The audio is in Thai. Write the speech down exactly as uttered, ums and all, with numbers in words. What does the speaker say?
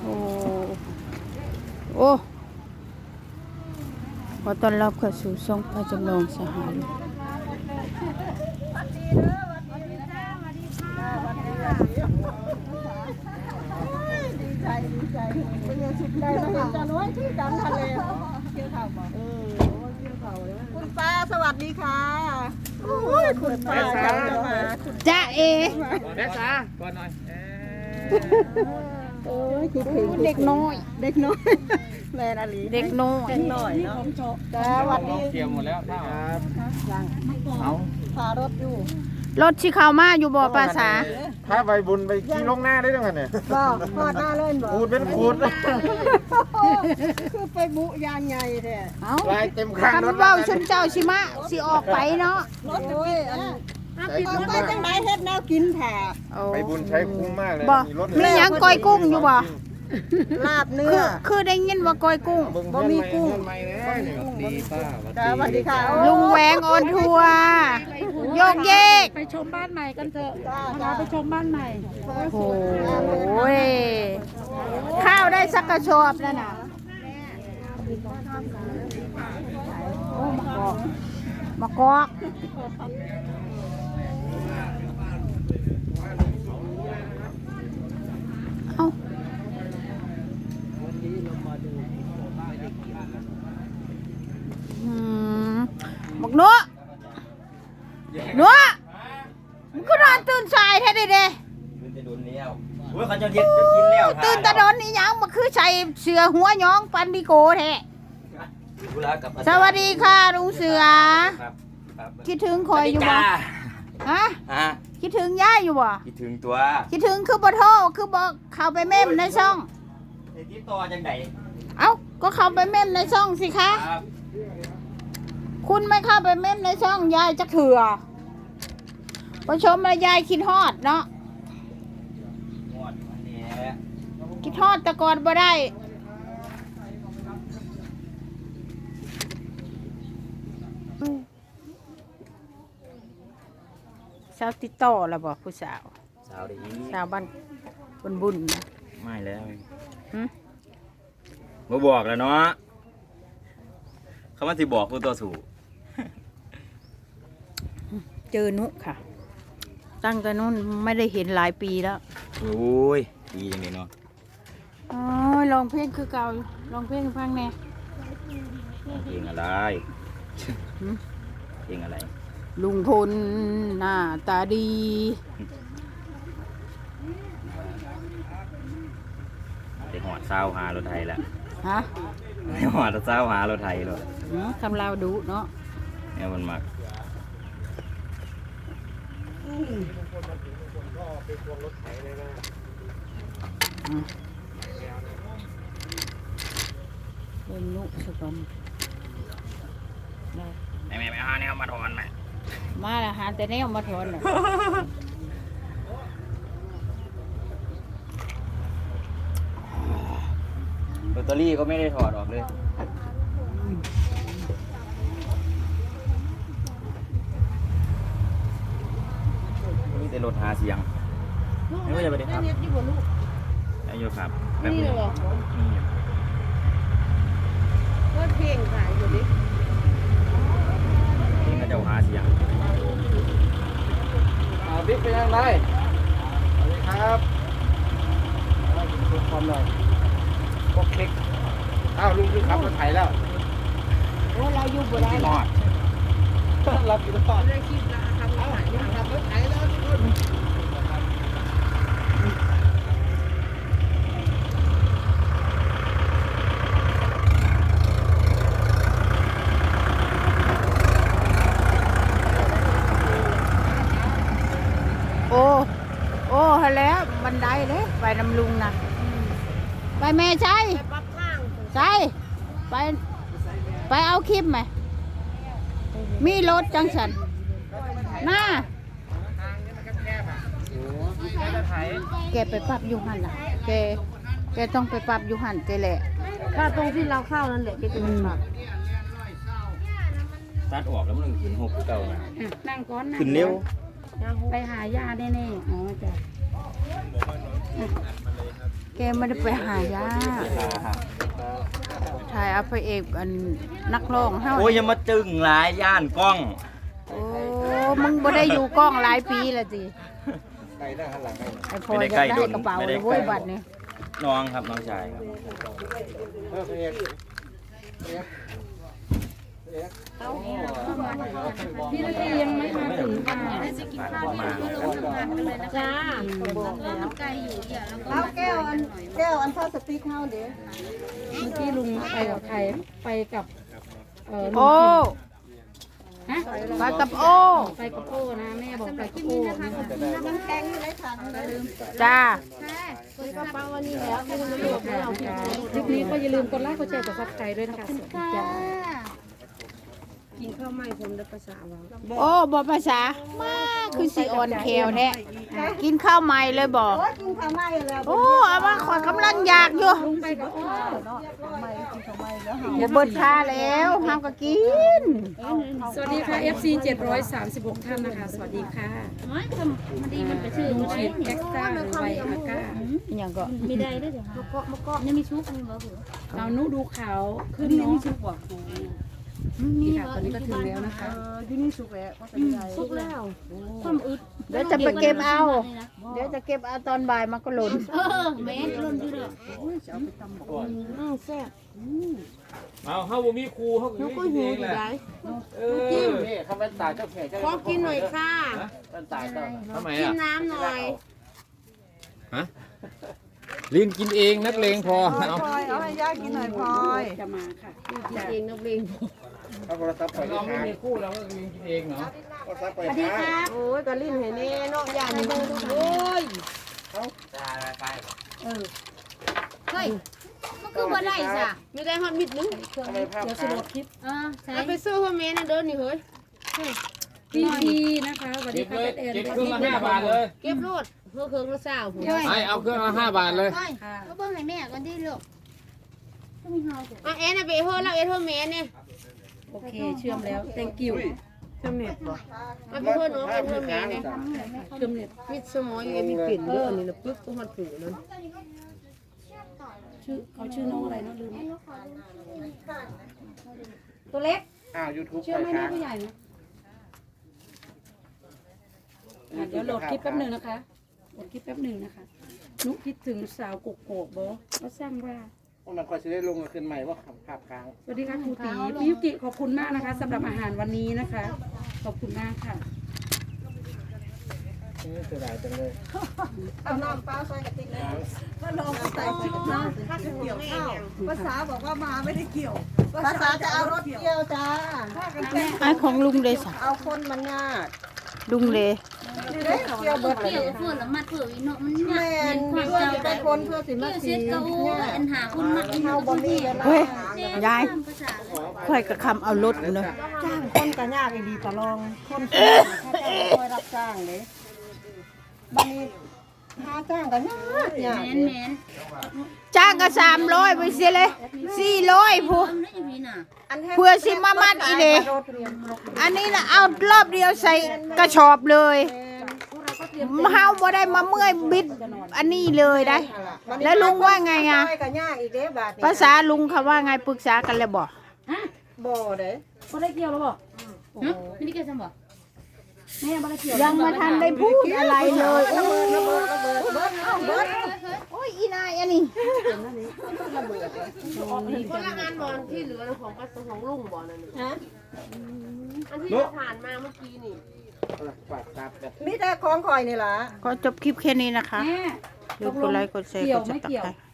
โอ้โอ้ขอต้อนรับเข้าสู่ช่องพระจำลองสหายดีใจดีใจเป็นยังสุดใจเราเห็นจานน้อยที่กันทะเลเกี่ยวข่าวบอกเออเกี่ยวข่าวเลยคุณป้าสวัสดีค่ะโอ้ยคุณป้าจังมาจ้าเอแม่สาก่อนหน่อยโอ้ยคิดถึงเด็กน้อยเด็กน้อยแม่นาลีเด็กน้อยเด็กน้อยเนาะจ้าสวัสดีเคลียร์หมดแล้วครับยังเอาพารถอยู่รถที่เข้ามาอยู่บ่ภาษาถ้าใบบุญไปขี่ลงหน้าได้ยังไงเนี่ยบอกพอดหน้าเล่นบอกขูดเป็นขูดคือไปบุยางใหญ่แท้เอ้าลายเต็มข้างรคัถนเว้าชุนเจ้าชิมะสิออกไปเนาะรถโอ้ยอันเอาไปจังไดเฮ็ดแนวกินแท้โอ้ใบบุญใช้คุ้มมากเลยบ่มีรถมีหยังก้อยกุ้งอยู่บ่ลาบเนื้คือ อคือได้ยินว่าก้อยกุ้งบ่มีกุ้งดีป้าจ้าสวัสดีค่ะลุงแหวงออนทัวร์โยกเยกไปชมบ้านใหม่กันเถอะพาไปชมบ้านใหม่โอ้ยข้าวได้สักกระสอบแล้วน่ะโอ้มะกอกมะกอกเอ้าอืมบักหนัวหนัวมึงก็นอนตื่นสายแท้เด้เด้ตื่นจะโดนแล้วโอ้ยเขาจะเย็ดจะกินแล้วตื่นตะโดนนี่หยังมาคือใส่เสือหัวย้องปันบิโกแท้ธุระกับสวัสดีค่ะลุงเสือครับครับคิดถึงคอยอยู่บ่ฮะฮะคิดถึงย่าอยู่บ่คิดถึงตัวคิดถึงคือบ่โทรคือบ่เข้าไปเม่มในช่องไอ้ที่ต่อจังไดเอ้าก็เข้าไปเม่มในช่องสิคะครับคุณไม่เข้าไปเม่มในช่องยายจะเถื่อผู้ชมแล้วยายคิดฮอดเนาะหมดอันนี้คิดฮอดแต่ก่อนบ่ได้สาวติดต่อแล้วบ่ผู้สาวสาวดีสาวบ้านบุญบุญนะไม่แล้วหึมาบอกแล้วเนาะเขามาสิบอกผู้ต่อสู้เจอนุค่ะ ตั้งแต่นู้นไม่ได้เห็นหลายปีแล้วโอ้ยดีจังเลยเนาะอ๋อลองเพลงคือเก่าลองเพลงให้ฟังแน่เพลงอะไรหึเพลงอะไรลุงพลหน้าตาดีเด็กหอดเศร้าหารถไทยแล้วฮะเด็กหอดเศร้าหารถไทยเลยหือคำลาวดุเนาะเนี่ยมันมักเล่นนุสก่อนได้แม่แม่ไม่เอาเนี่ยมาถอนไหมมาละหาแต่แนวมาถอนน่ะแบตเตอรี่ก็ไม่ได้ถอดออกเลยนี่แต่รถหาเสียงไม่ว่าจะไปได้ครับนายโยครับแบบนี้นี่เปิดเพลงขายอยู่ดินี่ก็จะหาเสียงอ่าบิ๊กเป็นยังไงสวัสดีครับความหน่อยพวกคลิกอ้าวลุงคือขับรถไถแล้วโอ้เราอยู่บ่ได้ที่หอดรับอยู่ตลอดได้คลิปละทำขายทำรถไถแล้วทุกคนโอ้โอ้ฮะแล้วบันไดเลยไปนำลุงนะไปแม่ใช่ปักข้างใช่ไป ไปเอาคลิปไหม มีรถจังสันหน้าแกไปปรับอยูหันล่ะ แก แกต้องไปปรับอยูหันแกแหละถ้าตรงที่เราเข้านั่นแหละก็จะเป็นแบบตัดออกแล้วมันขึ้นหกเก่านะนั่งก้อนนั่งขึ้นเร็วไปหายาแน่ๆอ๋อจ้ะแกไม่ได้ไปหายาถ่ายเอาพระเอกอันนักร้องเฮาโอ้ยอย่ามาจึงหลายย่านกล้องโอ้มึงบ่ได้อยู่กล้องหลายปีแล้วสิไก่หน้าหันหลังให้ไอ้พอจะได้กระเป๋าเลยเว้ยบัดนี้น้องครับน้องชายครับเออเอกเอกพี่นาทียังไม่มาถึงค่ะมาจ้าเอาแก้วอันแก้วอันพลาสติกเฮาเด้เมื่อกี้ลุงไปกับใครไปกับเออลุงโอ้ฮะไปกับโอ้ไปกับโอ้นะแม่บอกไปกับโอ้นะคะน้ำแข็งอยู่ในถังเลยจ้าคลิปนี้ก็อย่าลืมกดไลค์กดแชร์กดซับสไครต์ด้วยนะคะสวัสดีจ้ากินข้าวไหม้ผมได้ภาษาว่าโอ้บ่ภาษามาคือสิอ่อนแขวแท้กินข้าวใหม่เลยบ่โอ้ยกินข้าวไหม้แล้วโอ้เอามาขอยกำลังอยากอยู่ลุงไปกับโอ้ข้าวไหม้กินข้าวไหม้แล้วบ่เบิดค่าแล้วเฮาก็กินสวัสดีค่ะ เอฟ ซี เจ็ดร้อยสามสิบหกท่านนะคะ สวัสดีค่ะลุงฉีดเอ็กซ์ตร้าหรือไบอาก้าอิหยังก็มีได้ด้วยเหรอคะมะกอกมะกอกยังมีชุบมีบ่เหรอเรานุดูขาวขึ้นเนาะนี่ค่ะตอนนี้ก็ถึงแล้วนะคะที่นี่สุกแล้วก็เป็นไรชุบแล้วความอึดเดี๋ยวจะไปเก็บเอา เดี๋ยวจะเก็บเอาตอนบ่ายมันก็หล่นเออแม่ล้นอยู่เด้ออือแซ่บเอาเฮาบ่มีครูเฮาก็หิวอยู่ได้เออนี่เขาเป็นตายเจ้าแขกเจ้าขอกินหน่อยค่ะเป็นตายเจ้าทำไมกินอ่ะน้ำหน่อยฮะลินกินเองนักเลงพอพลอยเอาพลอยเอาให้ย่ากินหน่อยพลอยจะมาค่ะกินเองนักเลงเอาโทรศัพท์ไปเราไม่หามีคู่เราก็ลินกินเองเนาะโทรศัพท์ไปหาโอ้ยกะลิ้นให้แน่เนาะย่านี่โอ้ยเฮ้ยมันคือบ่ได้จ้ะไม่ได้ฮอตมิดนึงทำไมภาพเดี๋ยวสค้างลดคลิปอ่าใช่เอาไปซื้อพ่อแม่นะเดินนี่เฮ้ยพีพีนะคะสวัสดีเก็บค่ะเลยเป็นแอนเก็บเครื่องละห้าบาทเลยเก็บรถเพื่อเครื่องละสาวผมให้เอาเครื่องละห้าบาทเลยเฮ้ยก็เบิ่งให้แม่ก่อนดิลูกก็มีเฮาสิอ่ะแอนนะไปเฮ้ยเราเอ็นพ่อแม่เนี่ยโอเคเชื่อมแล้ว thank you เชื่อมเน็ตบ่เอาไปเฮ้ยน้องเอ็นพ่อแม่เนี่ยจ้ะเชื่อมเนี่ยมิดสมอยอยู่มีกลิ่นเยอะอันนี้นะปึ๊บก็มันผูนั่นชื่อเขาชื่อน้องอะไรนะลืมตัวเล็กอ้าวยูทูบเชื่อไปไหมแม่ค้างผู้ใหญ่นะอ่ะเดี๋ยวโหลดคลิปแป๊บหนึ่งนะคะโหลดคลิปแป๊บหนึ่งนะคะนุคิดถึงสาวกกอกบอก็สร้างว่ามันคอยจะได้ลงขึ้นใหม่ว่าภาพค้างสวัสดีค่ะครูตีพี่ยุกิขอบคุณมากนะคะสำหรับอาหารวันนี้นะคะ ขอบคุณมากค่ะนี่เสียดายจังเลยเอาน้ำเปล่าใส่กระติกเลยก็ลองใส่กระติกน้ำถ้าจะเกี่ยวข้าวภาษาบอกว่ามาไม่ได้เกี่ยว ภาษาจะเอารถเกี่ยวจ้าไอ้ของลุงเลยสะเอาคนมันยากลุงเลยนี่เด้เกี่ยวเบิดเลยเกี่ยวเพื่อนละมัดเพื่ออีเนาะมันแม่ยากนเห็นความเพื่อเจ้าสิไปได้คนเพื่อสิมาเกี่ยวสีเสร็จก็โอ้ยอันหาคนมัดอีเฮาเนาะบ่มีเวลาเฮ้ยแม่ยายภาษาเลยค่อยกระคำเอารถเนาะจ้างคนก็ยากอีดีตะลองคนคอยรับจ้างเด้บัดนี้หาจ้างก็ยากยากแม่นแม่นจ้างก็สามร้อยไปเสียเลยสี่ร้อยผู้ทำได้ยังไงน่ะเพื่อสิมามัดอีเลยอันนี้นะเอารอบเดียวใส่กระสอบเลยเฮาบ่ได้มาเมื่อยบิด อันนี้เลยได้ แล้วลุงว่าไงอ่ะซอยก็ยากอีกเด้บาดนี้ภาษาลุงเขาว่าไงปรึกษากันแล้วบ่บ่เด้ก็ได้เกี่ยวแล้วบอกฮะไม่ได้เกี่ยวซั่นบ่แม่ไม่ได้เกี่ยวยังมาทันได้พูดอะไรเลยโอ้ระเบิดระเบิดระเบิดเอาเบิดโอ้ยอีนายอันนี้คนละงานบอลที่เหลือของกระทรวงของลุงบอลนั่นฮะอันที่เราผ่านมาเมื่อกี้นี่ฝากซับกันมีแต่ของข่อยนี่ล่ะก็จบคลิปแค่นี้นะคะแม่อย่าลืมกดไลค์กดแชร์กดติดตาม